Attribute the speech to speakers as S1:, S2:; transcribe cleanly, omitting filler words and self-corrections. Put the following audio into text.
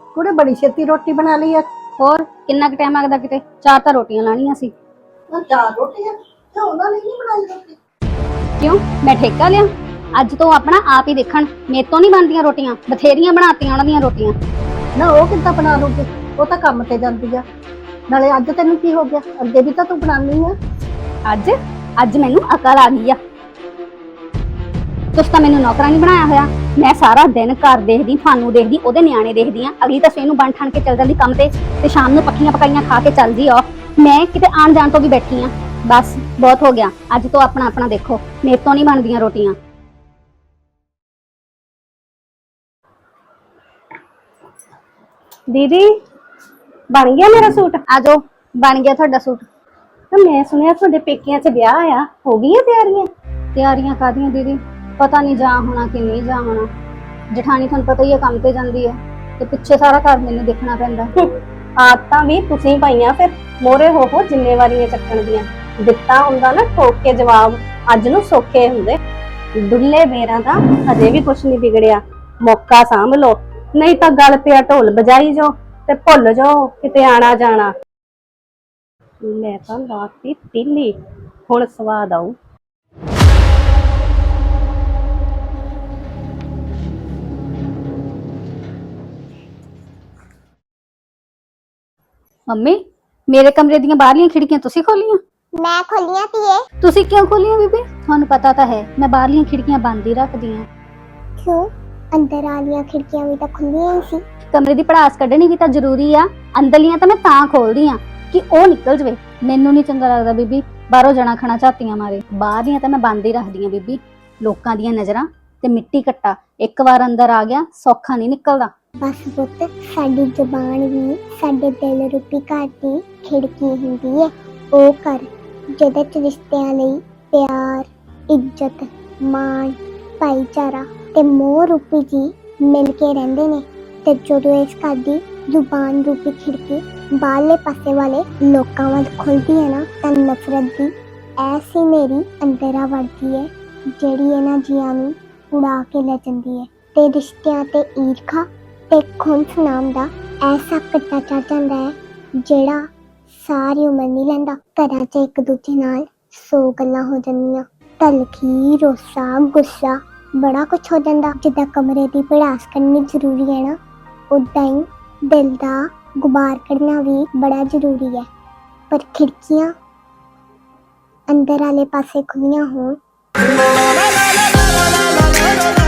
S1: कुड़े बड़ी छेती रोटी बना ली है।
S2: ਹੋਰ ਕਿੰਨਾ ਕੁ ਟਾਈਮ ਲੱਗਦਾ ਕਿਤੇ 4 ਤਾਂ ਰੋਟੀਆਂ ਲਾਣੀਆਂ ਸੀ।
S1: चार रोटियां तो ਉਹਨਾਂ ਨੇ ਨਹੀਂ ਬਣਾਈ ਰੋਟੀ।
S2: ਕਿਉਂ ਮੈਂ ਠੇਕਾ ਲਿਆ? ਅੱਜ ਤੋਂ ਆਪਣਾ ਆਪ ਹੀ ਦੇਖਣ, ਮੇਰੇ ਤੋਂ ਨਹੀਂ ਬਣਦੀਆਂ ਰੋਟੀਆਂ। ਬਥੇਰੀਆਂ ਬਣਾਤੀਆਂ ਉਹਨਾਂ ਦੀਆਂ ਰੋਟੀਆਂ।
S1: ਨਾ ਉਹ ਕਿੱਦਾਂ ਬਣਾ ਲੂਗੀ, ਉਹ ਤਾਂ ਕੰਮ ਤੇ ਜਾਂਦੀ ਆ। ਨਾਲੇ ਅੱਜ ਤੈਨੂੰ ਕੀ ਹੋ ਗਿਆ, ਅੱਗੇ ਵੀ ਤਾਂ ਤੂੰ ਬਣਾਉਣੀ ਆ।
S2: ਅੱਜ ਮੈਨੂੰ ਅਕਲ ਆ ਗਈ ਆ। ਤੁਸੀਂ ਤਾਂ ਮੈਨੂੰ ਨੌਕਰਾਂ ਨਹੀਂ ਬਣਾਇਆ ਹੋਇਆ। ਮੈਂ ਸਾਰਾ ਦਿਨ ਘਰ ਦੇਖਦੀ, ਤੁਹਾਨੂੰ ਦੇਖਦੀ, ਉਹਦੇ ਨਿਆਣੇ ਦੇਖਦੀ ਆ। ਅਗਲੀ ਤਾਂ ਸਵੇਰ ਨੂੰ ਬਣ ਠਣ ਕੇ ਚੱਲ ਜਾਂਦੀ ਕੰਮ ਤੇ ਸ਼ਾਮ ਨੂੰ ਪੱਕੀਆਂ ਪਕਾਈਆਂ ਖਾ ਕੇ ਚੱਲਦੀ ਆ। ਮੈਂ ਕਿਤੇ ਆਣ ਜਾਣ ਤੋਂ ਵੀ ਬੈਠੀ ਆ। ਬਸ ਬਹੁਤ ਹੋ ਗਿਆ, ਅੱਜ ਤੋਂ ਆਪਣਾ ਆਪਣਾ ਦੇਖੋ। ਮੇਰੇ ਤੋਂ ਨਹੀਂ ਬਣਦੀਆਂ ਰੋਟੀਆਂ।
S3: दीदी बन गया मेरा सूट।
S2: आ जाओ, बन गया ਤੁਹਾਡਾ सूट।
S3: तो मैं सुनिया ਤੁਹਾਡੇ ਪੇਕਿਆਂ 'ਚ ਵਿਆਹ ਆ, ਹੋ ਗਈਆਂ ਤਿਆਰੀਆਂ?
S2: ਤਿਆਰੀਆਂ ਕਾਦੀਆਂ ਦੀਦੀ, ਪਤਾ ਨਹੀਂ ਜਾ ਹੋਣਾ ਕਿ ਨਹੀਂ ਜਾ ਹੋਣਾ। ਜਠਾਣੀ ਤੁਹਾਨੂੰ ਪਤਾ ਹੀ ਹੈ ਕੰਮ ਤੇ ਜਾਂਦੀ ਹੈ ਤੇ ਪਿੱਛੇ ਸਾਰਾ ਘਰ ਮੈਨੂੰ ਦੇਖਣਾ ਪੈਂਦਾ।
S3: ਆਦਤਾਂ ਵੀ ਤੁਸੀਂ ਪਾਈਆਂ, ਫਿਰ ਮੋਰੇ ਹੋ ਜ਼ਿੰਮੇਵਾਰੀਆਂ ਚੱਕਣ ਦੀਆਂ। ਦਿੱਤਾ ਹੁੰਦਾ ਨਾ ਠੋਕ ਕੇ ਜਵਾਬ, ਅੱਜ ਨੂੰ ਸੌਖੇ ਹੁੰਦੇ। ਦੁੱਲੇ ਬੇਰਾਂ ਦਾ ਹਜੇ ਵੀ ਕੁਛ ਨਹੀਂ ਵਿਗੜਿਆ। ਮੌਕਾ ਸਾਂਭ ਲੋ, ਨਹੀਂ ਤਾਂ ਗੱਲ ਪਿਆ ਢੋਲ ਬਜਾਈ ਜੋ ਤੇ ਭੁੱਲ ਜਾਓ ਕਿਤੇ ਆਣਾ ਜਾਣਾ। ਮੈਂ ਤਾਂ ਲਾਤੀ ਤੀਲੀ, ਹੁਣ ਸਵਾਦ ਆਊ।
S2: ਮੰਮੀ, ਮੇਰੇ ਕਮਰੇ ਦੀਆਂ ਬਾਹਰਲੀਆਂ ਖਿੜਕੀਆਂ ਤੁਸੀਂ ਖੋਲੀਆਂ?
S4: ਮੈਂ ਖੋਲੀਆਂ ਧੀਏ।
S2: ਤੁਸੀਂ ਕਿਉਂ ਖੋਲੀਆਂ ਬੀਬੀ? ਤੁਹਾਨੂੰ ਪਤਾ ਤਾਂ ਹੈ ਮੈਂ ਬਾਹਰਲੀਆਂ ਖਿੜਕੀਆਂ ਬੰਦ ਹੀ ਰੱਖਦੀ ਹਾਂ।
S4: ਕਿਉਂ? ਅੰਦਰ ਵਾਲੀਆਂ ਖਿੜਕੀਆਂ ਵੀ ਤਾਂ ਖੁੱਲੀਆਂ ਹੀ ਸੀ।
S2: ਕਮਰੇ ਦੀ ਭੜਾਸ ਕੱਢਣੀ ਵੀ ਤਾਂ ਜ਼ਰੂਰੀ ਆ। ਅੰਦਰਲੀਆਂ ਤਾਂ ਮੈਂ ਤਾਂ ਖੋਲਦੀ ਆ ਕਿ ਉਹ ਨਿਕਲ ਜਵੇ। ਮੈਨੂੰ ਨਹੀਂ ਚੰਗਾ ਲੱਗਦਾ ਬੀਬੀ ਬਾਹਰੋਂ ਜਣਾ ਖਣਾ ਝਾਤੀਆਂ ਮਾਰੇ। ਬਾਹਰਲੀਆਂ ਤਾਂ ਮੈਂ ਬੰਦ ਹੀ ਰੱਖਦੀ ਆ ਬੀਬੀ। ਲੋਕਾਂ ਦੀਆਂ ਨਜ਼ਰਾਂ ਤੇ ਮਿੱਟੀ ਘੱਟਾ ਇੱਕ ਵਾਰ ਅੰਦਰ ਆ ਗਿਆ ਸੌਖਾ ਨਹੀਂ ਨਿਕਲਦਾ।
S4: ਬਸ ਪੁੱਤ, ਸਾਡੀ ਜ਼ੁਬਾਨ ਵੀ ਸਾਡੇ ਦਿਲ ਰੂਪੀ ਘਰ ਦੀ ਖਿੜਕੀ ਹੁੰਦੀ ਹੈ। ਉਹ ਘਰ ਜਿਹਦੇ ਚ ਰਿਸ਼ਤਿਆਂ ਲਈ ਪਿਆਰ, ਇੱਜ਼ਤ, ਮਾਣ, ਭਾਈਚਾਰਾ ਤੇ ਮੋਹ ਰੂਪੀ ਜੀ ਮਿਲ ਕੇ ਰਹਿੰਦੇ ਨੇ। ਤੇ ਜਦੋਂ ਇਸ ਘਰ ਦੀ ਜ਼ੁਬਾਨ ਰੂਪੀ ਖਿੜਕੀ ਬਾਹਰਲੇ ਪਾਸੇ ਵਾਲੇ ਲੋਕਾਂ ਵੱਲ ਖੁੱਲਦੀ ਹੈ ਨਾ, ਤਾਂ ਨਫ਼ਰਤ ਦੀ ਐਸੀ ਮੇਰੀ ਅੰਦਰਾਂ ਵੜਦੀ ਹੈ ਜਿਹੜੀ ਇਹਨਾਂ ਜੀਆਂ ਨੂੰ ਉਡਾ ਕੇ ਲੈ ਜਾਂਦੀ ਹੈ। ਤੇ ਰਿਸ਼ਤਿਆਂ ਤੇ ਈਰਖਾ ਤੇ ਖੁੰਸ ਨਾਮ ਦਾ ਐਸਾ ਕੱਟਾ ਚੜ ਜਾਂਦਾ ਹੈ ਜਿਹੜਾ ਸਾਰੀ ਉਮਰ ਨਹੀਂ ਲੈਂਦਾ। ਘਰਾਂ 'ਚ ਇੱਕ ਦੂਜੇ ਨਾਲ 100 ਗੱਲਾਂ ਹੋ ਜਾਂਦੀਆਂ, ਤਲਖੀ, ਰੋਸਾ, ਗੁੱਸਾ, ਬੜਾ ਕੁਛ ਹੋ ਜਾਂਦਾ। ਜਿੱਦਾਂ ਕਮਰੇ ਦੀ ਭੜਾਸ ਕਰਨੀ ਜ਼ਰੂਰੀ ਹੈ ਨਾ, ਉੱਦਾਂ ਹੀ ਦਿਲ ਦਾ ਗੁਬਾਰ ਕੱਢਣਾ ਵੀ ਬੜਾ ਜ਼ਰੂਰੀ ਹੈ। ਪਰ ਖਿੜਕੀਆਂ ਅੰਦਰ ਵਾਲੇ ਪਾਸੇ ਖੁੱਲੀਆਂ ਹੋਣ